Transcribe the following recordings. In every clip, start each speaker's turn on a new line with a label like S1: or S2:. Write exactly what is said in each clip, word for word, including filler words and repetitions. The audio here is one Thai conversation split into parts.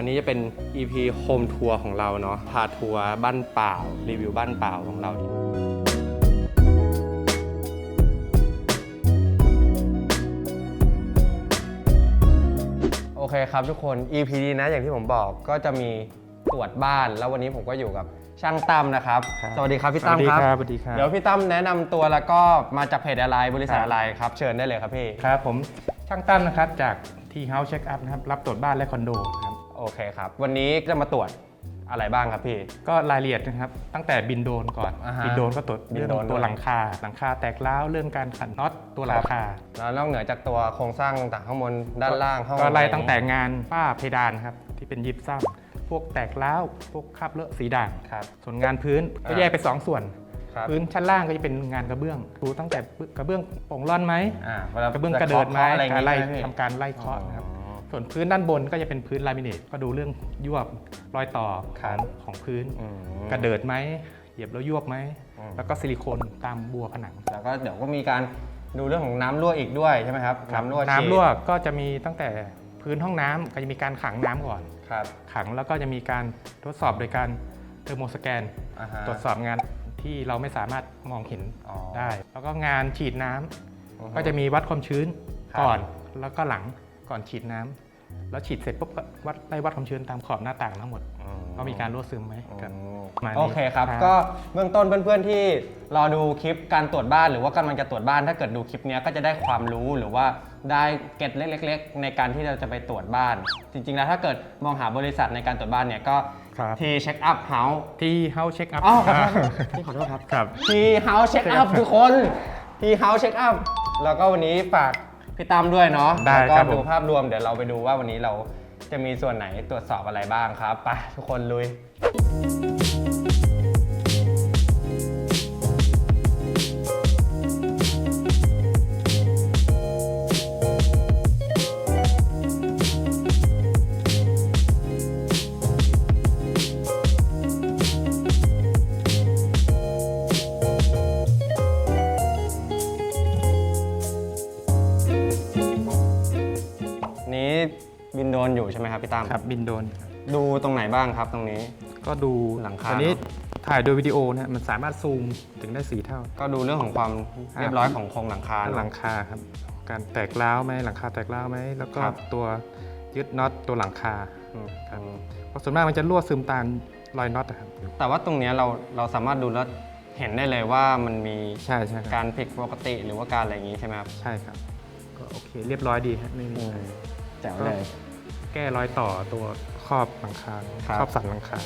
S1: นี้จะเป็น อี พี โฮมทัวร์ของเราเนาะพาทัวร์บ้านเปล่ารีวิวบ้านเปล่าของเราโอเคครับทุกคน อี พี นี้นะอย่างที่ผมบอกก็จะมีตรวจบ้านแล้ววันนี้ผมก็อยู่กับช่างตั้มนะครับสวัสดีครับพี่ตั้มครับ
S2: สวัสดีครับ
S1: เดี๋ยวพี่ตั้มแนะนำตัวแล้วก็มาจากเพจอะไรบริษัทอะไรครับเชิญได้เลยครับพี่
S2: ครับผมช่างตั้มนะครับจากที่ House Check Up นะครับรับตรวจบ้านและคอนโดครับ
S1: โอเคครับวันนี้จะมาตรวจอะไรบ้างครับพี่
S2: ก็รายละเอียดนะครับตั้งแต่บินโดรนก่อนบินโดรนก็ตรวจเรื่องตัวหลังคาหลังคาแตกร้าวเรื่องการขันน็อตตัวหลังคา
S1: แล้วนอกเหนือจากตัวโครงสร้างต่างข้างบนด้านล่างห้อง
S2: ก็ไล่ตั้งแต่งานฝ้าเพดานครับที่เป็นยิปซัมพวกแตกร้าวพวกคราบเลอะสีด่างส่วนงานพื้นก็แยกเป็นสองส่วนพื้นชั้นล่างก็จะเป็นงานกระเบื้องดูตั้งแต่กระเบื้องโป่งร่อนไหมกระเบื้องกระเดิดไหมการไล่ทำการไล่เคาะนะครับส่วนพื้นด้านบนก็จะเป็นพื้นลามิเนตก็ดูเรื่องยวบรอยต่อของของพื้นกระเดิดไหมเหยียบแล้วยวบไหมแล้วก็ซิลิโคนตามบัวผนัง
S1: แล้วก็เดี๋ยวก็มีการดูเรื่องของน้ำรั่วอีกด้วยใช่ไหมครับ
S2: น้ำรั่วน้ำรั่วก็จะมีตั้งแต่พื้นห้องน้ำก็จะมีการขังน้ำก่อนขังแล้วก็จะมีการทดสอบโดยการเทอร์โมสแกนตรวจสอบงานที่เราไม่สามารถมองเห็นได้แล้วก็งานฉีดน้ำก็จะมีวัดความชื้นก่อนแล้วก็หลังก่อนฉีดน้ำแล้วฉีดเสร็จปุ๊บก็วัดไล่วัดความชื้นตามขอบหน้าต่างทั้งหมดก็มีการรั่วซึมไหมกัน
S1: โอเคครับก็เบื้องต้นเพื่อนๆที่รอดูคลิปการตรวจบ้านหรือว่ากำลังจะตรวจบ้านถ้าเกิดดูคลิปนี้ก็จะได้ความรู้หรือว่าได้เก็ตเล็กๆในการที่เราจะไปตรวจบ้านจริงๆแล้วถ้าเกิดมองหาบริษัทในการตรวจบ้านเนี่ยก็ที่เช็คอัพเฮาส์
S2: ที่เฮาส์เช็คอัพ
S1: อ๋อที่ขอโทษครับที่เฮาส์เช็คอัพทุกคนที่เฮาส์เช็คอัพแล้วก็วันนี้ฝากพี่ตั้มด้วยเนาะแล้วก็ดูภาพรวมเดี๋ยวเราไปดูว่าวันนี้เราจะมีส่วนไหนตรวจสอบอะไรบ้างครับไปทุกคนลุยนี้บินโดนอยู่ใช่ไหมครับพี่ตั้ม
S2: ครับบินโดน
S1: ดูตรงไหนบ้างครับตรงนี้
S2: ก็ดู
S1: หลังคา
S2: ตอนนี้ถ่ายโดยวิดีโอเนี่ยมันสามารถซูมถึงได้สี่เท่า
S1: ก็ดูเรื่องของความเรียบร้อยของโครงหลังคา
S2: หลังคาครับการแตกร้าวไหมหลังคาแตกร้าวไหมแล้วก็ตัวยึดน็อตตัวหลังคาครับเพราะส่วนมากมันจะรั่วซึมตามรอยน็อตครับ
S1: แต่ว่าตรงนี้เราเราสามารถดูแล้วเห็นได้เลยว่ามันมี
S2: ใช่ใช่
S1: การผิดปกติหรือว่าการอะไรอย่างนี้ใช่ไหมครับ
S2: ใช่ครับก็โอเคเรียบร้อยดีครับไม่มี
S1: แจ๋วเลย
S2: แก้รอยต่อตัวครอบหลังคาครอบสันหลังคา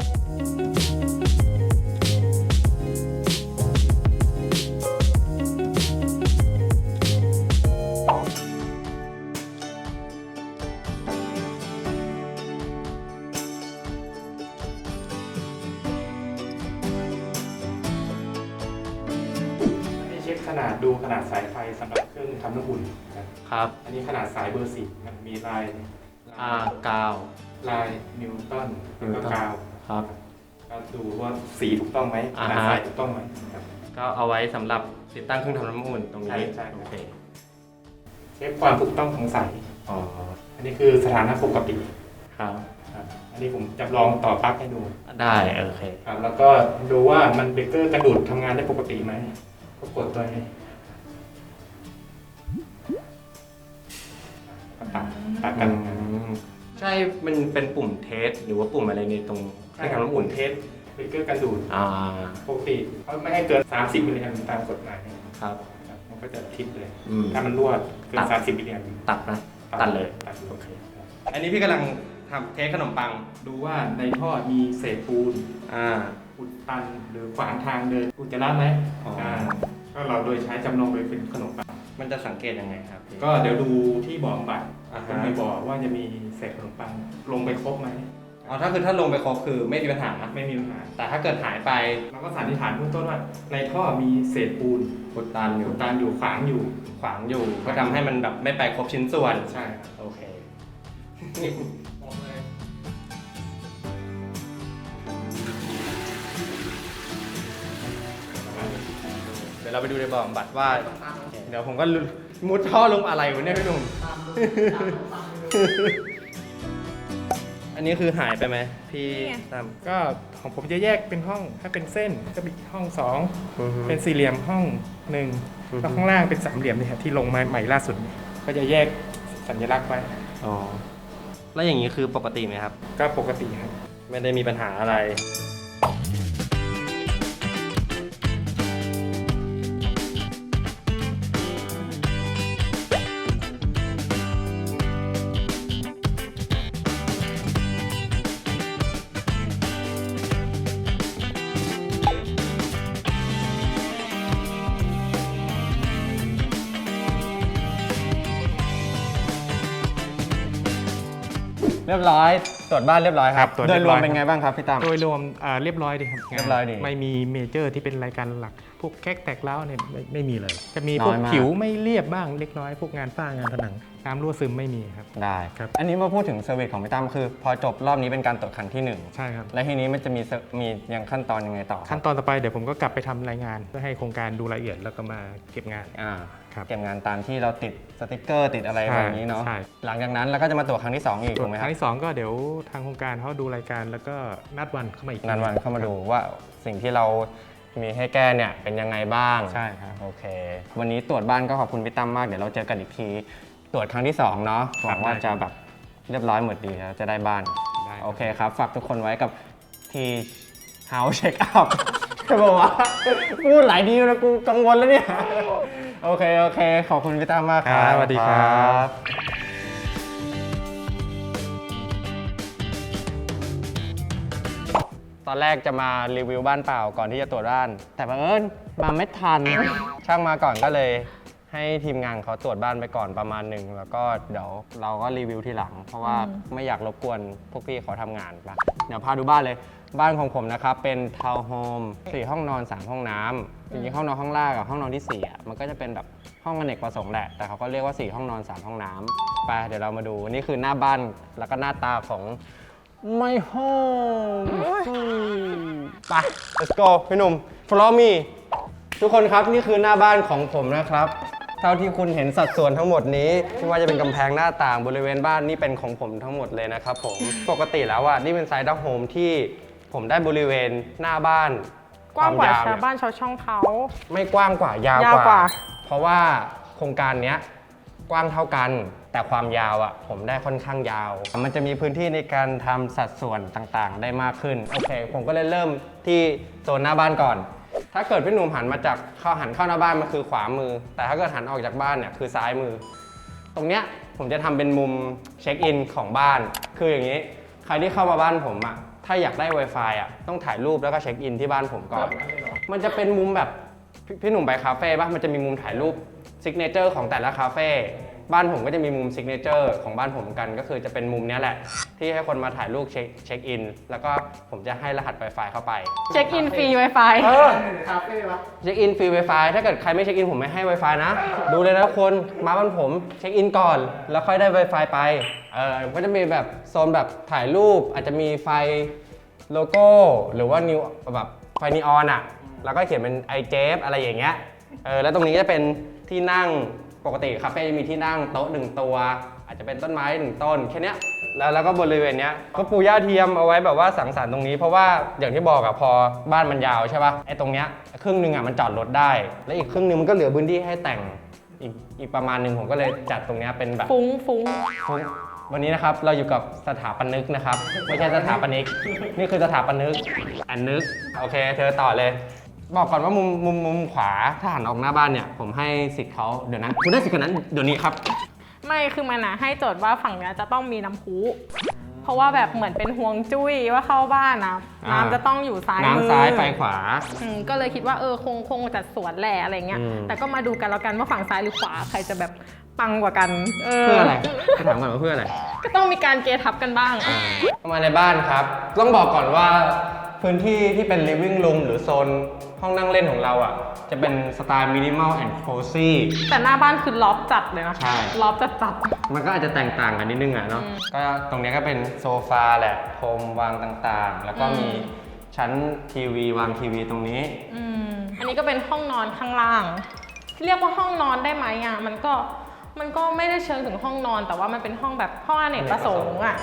S2: เช็คขนาดดูขนาดสายไฟสำหรับเครื่องทำน้ำอุ่น
S1: ครับ
S2: อันนี้ขนาดสายเบอร์สี่มันมีลาย
S1: อ่ากาว
S2: ลายนิวตันแล้วก็กาว
S1: ครับ
S2: ก็ดูว่าสีถูกต้องไหมขนาดสายถูกต้องไหมครับ
S1: ก็เอาไว้สำหรับติดตั้งเครื่องทำน้ำอุ่นตรงนี้
S2: ใช่โอเคเช็คความถูกต้องของสายอ๋ออันนี้คือสถานะปกติ
S1: ครับ
S2: อันนี้ผมจำลองต่อปลั๊กให้ดู
S1: ได้โอเค
S2: ครับแล้วก็ดูว่ามันเบรกเกอร์กระดูดทำงานได้ปกติไหมก็กดตัวนี้ตัดตัดกัน
S1: ใช่มันเป็นปุ่มเทสหรือว่าปุ่มอะไรในตรง
S2: ใช่ครับปุ่มเทสเบรกเกอร์กระดูดปกติเขาไม่ให้เกินสามสิบมิลลิแอมป์ตามกฎหมาย
S1: ครับ
S2: มันก็จะทิปเลยถ้ามันรั่วเกินสามสิบมิลลิแอมป์
S1: ตัดนะตัดเลยโอเคอันนี้พี่กำลังทำเทสขนมปัง
S2: ดูว่าในท่อมีเศษปูนอุดตันหรือขวางทางเดินอุจจาระไหมก็เราโดยใช้จำลองโดยเป็นขนมปัง
S1: มันจะสังเกตยังไงครับ
S2: ก็เดี๋ยวดูที่บ่อบัตรต้องไปบอกว่าจะมีเศษขนมปังลงไปครบไหม
S1: อ๋อถ้าคือถ้าลงไปครบคือไม่มีปัญหา
S2: ไม่มีปัญหา
S1: แต่ถ้าเกิดหายไป
S2: เราก็สันนิษฐานเบื้องต้นว่าในท่อมีเศษปูน
S1: อุดตันอยู่
S2: อุดตันอยู่ขวางอยู่
S1: ขวางอยู่ก็ทำให้มันแบบไม่ไปครบชิ้นส่วน
S2: ใช่
S1: โอเคเดี๋ยวเราไปดูในบ่อบำบัดว่าเดี๋ยวผมก็มุดท่อลงอะไรวะเนี่ยพี่หนุ่มอันนี้คือหายไปไหมพี่
S3: นี่ไง
S1: ตั้ม
S2: ก็ของผมจะแยกเป็นห้องถ้าเป็นเส้นก็มีห้องสอง
S1: อือฮึ
S2: เป็นสี่เหลี่ยมห้องหนึ่ง
S1: อือฮึ
S2: แล้วข้างล่างเป็นสามเหลี่ยมเนี่ยครับที่ลงมาใหม่ล่าสุด ก็จะแยกสัญลักษณ์ไว้
S1: อ๋อแล้วอย่างนี้คือปกติไหมครับ
S2: ก็ปกติครับ
S1: ไม่ได้มีปัญหาอะไร เรียบร้อยตรวจบ้านเรียบร้อยครับ
S2: ครับตรวจ
S1: โดย
S2: เรียบ
S1: ร
S2: ร้
S1: ว
S2: อ
S1: ม
S2: ย
S1: เป็นไงบ้างครับพี่ตั้ม
S2: โดยรวมอ่าเรียบร้อยดีครับงาน
S1: เรียบร้อยดี
S2: ไม่มีเมเจอร์ที่เป็นรายการหลัก พวกแก๊กแตกร้าวเนี่ยไม่ไม่มีเลย จะมี
S1: น้อย
S2: พวก
S1: มาก
S2: ผิวไม่เรียบบ้างเล็กน้อย พวกงานฝ้างานผนังน้ำรั่วซึมไม่มีครับ
S1: ได้
S2: ครับ
S1: อันนี้มาพูดถึงเซอร์วิสของพี่ตั้มคือ พอจบรอบนี้เป็นการตรวจครั้งที่หนึ่ง
S2: ใช่ครับ
S1: และทีนี้มันจะมีเซอร์มียังขั้นตอนยังไงต่อครับ
S2: ขั้นตอนต่อไปเดี๋ยวผมก็กลับไปทำรายงานเพื่อให้โครงการดูรายละเอียดแล้วก็มาเก็บงาน
S1: อ่า
S2: ครับ
S1: เก็บงานตามที่เราติดสติกเกอร์ติดอะไร
S2: ใช่
S1: แบบนี้เนาะ
S2: ใช่
S1: หลังจากนั้นเราก็จะมาตรวจครั้งที่สองอีก
S2: ส่
S1: ถู
S2: วน
S1: กไหม
S2: ค
S1: ครั
S2: รั้
S1: บ
S2: งที่สองก็เดี๋ยวทางโครงการเขาดูรายการแล้วก็นัดวันเข้ามาอีกที
S1: นันวันเข้ามาดูว่าสิ่งที่เรามีให้แก้เนี่ยเป็นยังไงบ้าง
S2: ใช่ครับ
S1: โอเค วันนี้ตรวจบ้านก็ขอบคุณพี่ตั้มมากเดี๋ยวเราเจอกันอีกที ตรวจครั้งที่สองเนาะหวังว่าจะแบบเรียบร้อยหมดดีแล้วจะได้บ้าน
S2: ได้ครับ
S1: โอเคครับ ฝากทุกคนไว้กับทีเฮาส์เช็คอัพจะบอกว่าพูดหลายดีแล้วกูกังวลแล้วเนี่ย โอเค โอเค ขอบคุณพี่ตั้มมากครับ
S2: สวัสดีครับ
S1: ตอนแรกจะมารีวิวบ้านเปล่าก่อนที่จะตรวจบ้าน แต่บังเอิญมาไม่ทัน ช่างมาก่อนก็เลยให้ทีมงานเขาตรวจบ้านไปก่อนประมาณหนึ่งแล้วก็เดี๋ยวเราก็รีวิวทีหลัง เพราะว่าไม่อยากรบกวนพวกพี่เขาทำงานปะเดี๋ยวพาดูบ้านเลย บ้านของผมนะครับเป็นทาวน์โฮมสี่ห้องนอนสามห้องน้ำจริงๆห้องนอนห้องล่างกับห้องนอนที่สี่อ่ะมันก็จะเป็นแบบห้องอเนกประสงค์แหละแต่เขาก็เรียกว่าสี่ห้องนอนสามห้องน้ำไปเดี๋ยวเรามาดูนี่คือหน้าบ้านแล้วก็หน้าตาของ My home ไป let's go พี่หนุ่ม follow me ทุกคนครับนี่คือหน้าบ้านของผมนะครับ เท่าที่คุณเห็นสัดส่วนทั้งหมดนี้ไม่ว่าจะเป็นกำแพงหน้าต่างบริเวณบ้านนี่เป็นของผมทั้งหมดเลยนะครับผม ปกติแล้วอ่ะนี่เป็นไซด์ดักโฮมที่ผมได้บริเวณหน้าบ้าน
S3: กว้างกว่า
S1: ควม
S3: ชาว
S1: เนี่ย
S3: บ้านชาวช่องเขา
S1: ไม่กว้างกว่ายาวย
S3: าวกว่า
S1: เพราะว่าโครงการเนี้ยกว้างเท่ากัน แต่ความยาวอ่ะผมได้ค่อนข้างยาว มันจะมีพื้นที่ในการทำสัดส่วนต่างๆ ได้มากขึ้นโอเค ผมก็เลยเริ่มที่โซนหน้าบ้านก่อน ถ้าเกิดพี่หนุ่มหันมาจากเข้าหันเข้าหน้าบ้านมันคือขวามือ แต่ถ้าเกิดหันออกจากบ้านเนี่ยคือซ้ายมือ ตรงเนี้ยผมจะทำเป็นมุมเช็คอินของบ้าน คืออย่างนี้ ใครที่เข้ามาบ้านผมอ่ะถ้าอยากได้ Wi-Fi อ่ะต้องถ่ายรูปแล้วก็เช็คอินที่บ้านผมก่อน มันจะเป็นมุมแบบพพี่หนุ่มไปคาเฟ่ป่ะมันจะมีมุมถ่ายรูปซิกเนเจอร์ของแต่ละคาเฟ่บ้านผมก็จะมีมุมซิกเนเจอร์ของบ้านผมกัน ก็คือจะเป็นมุมเนี้ยแหละ ที่ให้คนมาถ่ายรูปเช็คเช็คอินแล้วก็ผมจะให้รหัส Wi-Fi เข้าไป
S3: เช็คอินฟรี Wi-Fi
S1: เออเช็คอินฟรี Wi-Fi ถ้าเกิดใครไม่เช็คอินผมไม่ให้ Wi-Fi นะ ดูเลยนะคนมาบ้านผมเช็คอินก่อน แล้วค่อยได้ Wi-Fi ไปเออก็จะมีแบบโซนแบบถ่ายรูปอาจจะมีไฟโลโก้หรือว่านิวแบบไฟนีออนอ่ะแล้วก็เขียนเป็น ไอ เจ เอฟ อะไรอย่างเงี้ยเออแล้วตรงนี้จะเป็นที่นั่งปกติคาเฟ่จะมีที่นั่งโต๊ะหนึ่งตัว อาจจะเป็นต้นไม้หนึ่งต้นแค่เนี้ยแล้วแล้วก็บริเวณเนี้ยก็ปูหญ้าเทียมเอาไว้แบบว่าสังสรรค์ตรงนี้เพราะว่าอย่างที่บอกอะพอบ้านมันยาวใช่ป่ะไอ้ตรงเนี้ยครึ่งหนึ่งอะมันจอดรถได้ แล้วอีกครึ่งหนึ่งมันก็เหลือพื้นที่ให้แต่งอีกอีกประมาณหนึ่งผมก็เลยจัดตรงเนี้ยเป็นแบบ
S3: ฟุ้งฟุ้ง
S1: วันนี้นะครับเราอยู่กับสถาปนิกนะครับไม่ใช่สถาปนิกนี่คือสถาปนิกอันนึกโอเคเธอต่อเลย บอกก่อนว่ามุมมุมมุมขวาถ้าหันออกหน้าบ้านเนี่ยผมให้สิทธิ์เขาเดี๋ยวนะคุณได้สิทธิ์คนนั้นเดี๋ยวนี้ครับ
S3: ไม่คือมันนะให้โจทย์ว่าฝั่งเนี้ยจะต้องมีน้ำพุเพราะว่าแบบเหมือนเป็นห่วงจุ้ยว่าเข้าบ้านนะ
S1: อ่า
S3: น้ำจะต้องอยู่ซ้ายมือ
S1: น้ำซ้ายไฟขวา
S3: อืมก็เลยคิดว่าเออคงคงจัดสวนแหละอะไรเงี้ย
S1: อืม
S3: แต่ก็มาดูกันแล้วกันว่าฝั่งซ้ายหรือขวาใครจะแบบปังกว่ากัน เออ
S1: เพื่ออะไรจะถามก่อนว่าเพื่ออะไร
S3: ก็ต้องมีการเกทับกันบ้าง
S1: เข้ามาในบ้านครับ ต้องบอกก่อนว่าพื้นที่ที่เป็น living room หรือโซนห้องนั่งเล่นของเราอ่ะจะเป็นสไตล์ minimal and cozy
S3: แต่หน้าบ้านคือล็อบจัดเลยนะ
S1: ใช่
S3: ล็อบจัดจัด
S1: มันก็อาจจะแตกต่างกันนิดนึงอ่ะเนาะ
S3: อืม
S1: ก็ตรงเนี้ยก็เป็นโซฟาแหละพรมวางต่างๆ แล้วก็
S3: อืม
S1: มีชั้นทีวีวางทีวีตรงนี้
S3: อืมอันนี้ก็เป็นห้องนอนข้างล่าง เรียกว่าห้องนอนได้ไหมอ่ะมันก็มันก็ไม่ได้เชิงถึงห้องนอน แต่ว่ามันเป็นห้องแบบห้องอเนกประสงค์อ่ะ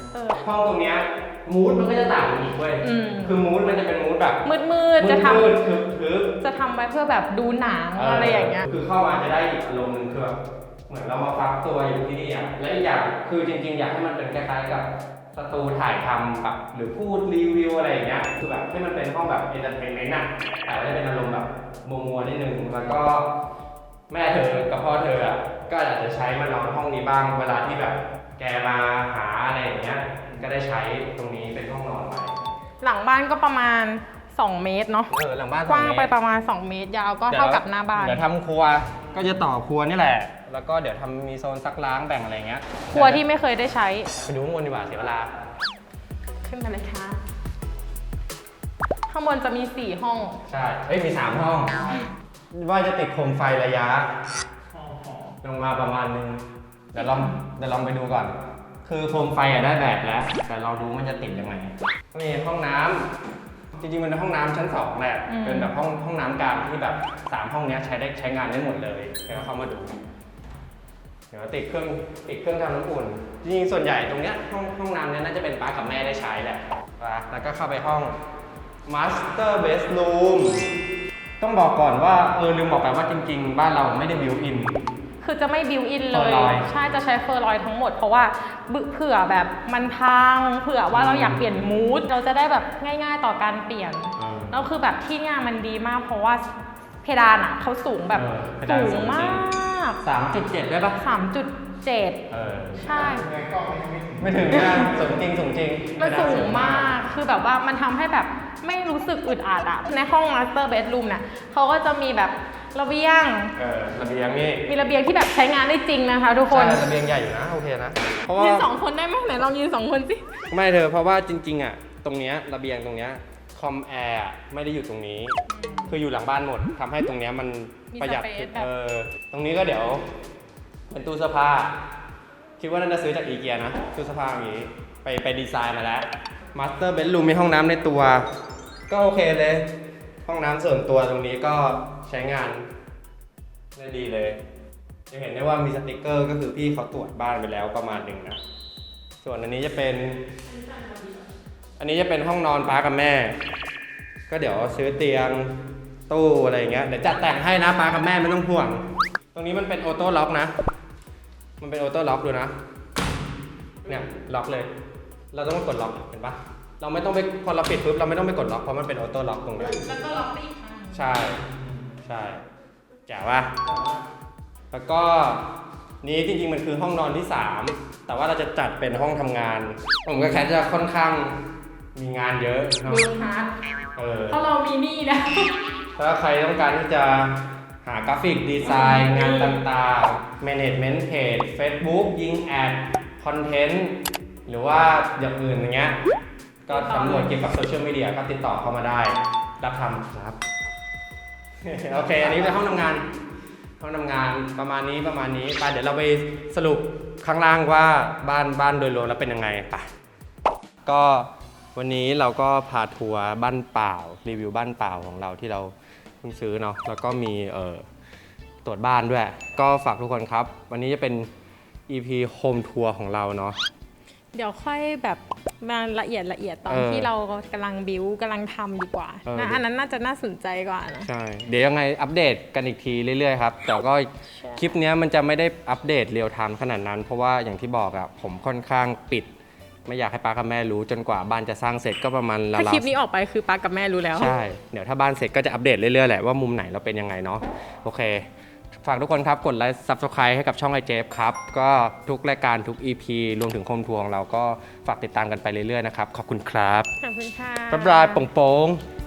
S3: เออ
S1: ห้องตรงเนี้ยมูดมันก็จะต่างกันอีกเว้ย
S3: อืม
S1: คือมูดมันจะเป็นมูดแบบ
S3: มืดมืดๆจะท
S1: มืดๆทึบ
S3: ำจะทำไว้เพื่อแบบดูหนัง
S1: ๆ
S3: อะไรอย่างเงี้ย
S1: คือเข้ามาจะได้อีกอารมณ์หนึงคือแบบเหมือนเรามาฟักตัวอยู่ที่นี่อ่ะและอีกอย่างคือจริงๆ อยากให้มันเป็นคล้ายๆกับสตูถ่ายทำแบบหรือพูดรีวิวอะไรอย่างเงี้ยคือแบบให้มันเป็นห้องแบบเอนเตอร์เทนเมนต์อ่ะแต่ว่าจะเป็นอารมณ์แบบมัวๆนิดนึงแล้วก็แม่เธอกับพ่อเธออ่ะก็อาจจะใช้มานอนห้องนี้บ้างเวลาที่แบบแกมาหาอะไรอย่างเงี้ยก็ได้ใช้ตรงนี้เป็นห้องนอนไป
S3: หลังบ้านก็ประมาณ สอง เมตรเนาะ
S1: เออหลังบ้าน
S3: กว้าง
S1: สอเม
S3: ไป
S1: ตร
S3: ประมาณ สอง เมตร ยาวก็เท่ากับหน้าบ้าน
S1: เดี๋ยวทำครัวก็จะต่อครัวนี่แหละ แล้วก็เดี๋ยวทำมีโซนซักล้างแบ่งอะไรเงี้ย
S3: ครัวที่ไม่เคยได้ใช้
S1: ไปดูข้างบนดีกว่าเสียเวลา
S3: ขึ้นมาเลยค่ะ ข้างบนจะมี สี่ ห้อง
S1: ใช่เอ้ยมีสามห้อง ว่าจะติดโคมไฟระยะ ลงมาประมาณนึง เดี๋ยวลองเดี๋ยวลองไปดูก่อน คือโคมไฟอะได้แบบแล้ว แต่เราดูมันจะติดยังไงนี่ห้องน้ำจริงๆมันเป็นห้องน้ำชั้นสองแหละ
S3: อืม
S1: เป็นแบบห้องห้องน้ำกลางที่แบบสามห้องเนี้ยใช้ได้ใช้งานได้หมดเลยเดี๋ยวเข้ามาดู เดี๋ยวติดเครื่องติดเครื่องทำน้ำอุ่น จริงๆส่วนใหญ่ตรงเนี้ยห้องห้องน้ำเนี้ยน่าจะเป็นป้ากับแม่ได้ใช้แหละนะแล้วก็เข้าไปห้อง Master Bedroom ต้องบอกก่อนว่าเออลืมบอกไปว่าจริงๆ บ้านเราไม่ได้บิวอิน
S3: คือจะไม่บิวอินเลย
S1: เฟอร์ลอยด์
S3: ใช่จะใช้เฟอร์ลอยด์ทั้งหมด เพราะว่าเผื่อแบบมันพัง เผื่อว่าเราอยากเปลี่ยนมูดเราจะได้แบบง่ายๆต่อการเปลี่ยน แล้วคือแบบที่งานมันดีมาก เพราะว่าเพดานอ่ะเขาสูงแบบ
S1: เออเพดาน
S3: สู
S1: สู
S3: ง
S1: ง
S3: มา
S1: จริง
S3: ก
S1: สามจุดเจ็ดได้ปะ
S3: สามจุดเจ็ด
S1: เออ
S3: ใช่
S1: ไม่ถึงนะสูงจริงสูงจริง
S3: มันสูงมาก คือแบบว่ามันทำให้แบบไม่รู้สึกอึดอัดอะในห้อง Master Bedroom เนี่ยเขาก็จะมีแบบระเบียง
S1: เออระเบียงนี่
S3: มีระเบียงที่แบบใช้งานได้จริงนะคะทุกคน
S1: ใช่ระเบียงใหญ่อยู่นะโอเคนะ เพราะว่า
S3: ยืนสองคนได้ไหมไหนลองยืนสองคนสิ
S1: ไม่เธอเพราะว่าจริงๆอ่ะตรงเนี้ยระเบียงตรงเนี้ยคอมแอร์ไม่ได้อยู่ตรงนี้ คืออยู่หลังบ้านหมดทำให้ตรงเนี้ยมัน
S3: มี
S1: ประหยัด
S3: สเปซแบบ
S1: เออตรงนี้ก็เดี๋ยวเป็นตู้เสื้อผ้าคิดว่าน่าจะซื้อจากอีเกียนะตู้เสื้อผ้าอย่างนี้ไปไปดีไซน์มาแล้วมาสเตอร์เบดรูมมีห้องน้ำในตัว ก็โอเคเลย ห้องน้ำส่วนตัวตรงนี้ก็ใช้งานได้ดีเลยจะเห็นได้ว่ามีสติกเกอร์ก็คือพี่เขาตรวจบ้านไปแล้วประมาณหนึ่งนะส่วนอันนี้จะเป็น อันนี้จะเป็นห้องนอนป้ากับแม่ ก็เดี๋ยวซื้อเตียงตู้อะไรอย่างเงี้ยเดี๋ยวจัดแต่งให้นะป้ากับแม่ไม่ต้องห่วง ตรงนี้มันเป็นออโต้ล็อกนะ มันเป็นออโต้ล็อกดูนะ เนี่ยล็อกเลย เราต้องกดล็อกเห็นปะเราไม่ต้องไปพอเราปิดปุ๊บเราไม่ต้องไปกดล็อกเพราะมันเป็นออโต้ล็อกตรงนี้
S3: แล้วก็ล็อกได้อีกครั้ง
S1: ใช่ใช่แจ๋วว่ะแล้วก็นี้จริงๆมันคือห้องนอนที่สามแต่ว่าเราจะจัดเป็นห้องทำงาน ผมกับแคทจะค่อนข้างมีงานเยอะเนอะ
S3: ดูฮาร์ด
S1: เออ
S3: เพราะเรามีหนี่นะ
S1: ถ้าใครต้องการที่จะหากราฟิกดีไซน์งานต่างๆ management page Facebook ยิงแอดคอนเทนต์หรือว่าอย่างอื่นอย่างเงี้ยก็สำรวจเกี่ยวกับโซเชียลมีเดียก็ติดต่อเข้ามาได้รับทำครับ โอเค อันนี้เป็นห้องทำงาน ห้องทำงานประมาณนี้ประมาณนี้ไปเดี๋ยวเราไปสรุปข้างล่างว่าบ้านบ้านโดยรวมแล้วเป็นยังไงไปก็วันนี้เราก็พาทัวร์บ้านเปล่ารีวิวบ้านเปล่าของเราที่เราเพิ่งซื้อเนาะแล้วก็มีเอ่อตรวจบ้านด้วย ก็ฝากทุกคนครับ วันนี้จะเป็น อี พี Home Tour ของเราเนาะ
S3: เดี๋ยวค่อยแบบมาละเอียดละเอียดตอน
S1: เออ
S3: ที่เรากำลังบิวกำลังทำดีกว่า
S1: เออ
S3: นะอันนั้นน่าจะน่าสนใจกว่านะ
S1: ใช่ เดี๋ยวยังไงอัปเดตกันอีกทีเรื่อยๆครับ แต่ก็
S3: ใช่
S1: คลิปเนี้ยมันจะไม่ได้อัปเดตเรียลไทม์ขนาดนั้น เพราะว่าอย่างที่บอกอะผมค่อนข้างปิด ไม่อยากให้ป้ากับแม่รู้จนกว่าบ้านจะสร้างเสร็จก็ประมาณราว
S3: ถ้า
S1: ๆ
S3: คลิปนี้ออกไปคือป้ากับแม่รู้แล้ว
S1: ใช่ เดี๋ยวถ้าบ้านเสร็จก็จะอัปเดตเรื่อยๆแหละว่ามุมไหนเราเป็นยังไงเนาะ โอเค ฝากทุกคนครับกดไลค์ ซับสไครบ์ ให้กับช่องไอเจฟครับ ก็ทุกรายการทุก อี พี รวมถึงโฮมทัวร์ของเราก็ฝากติดตามกันไปเรื่อยๆนะครับ ขอบคุณครับ
S3: ขอบคุณค่ะ
S1: บ๊ายบายโป่งๆ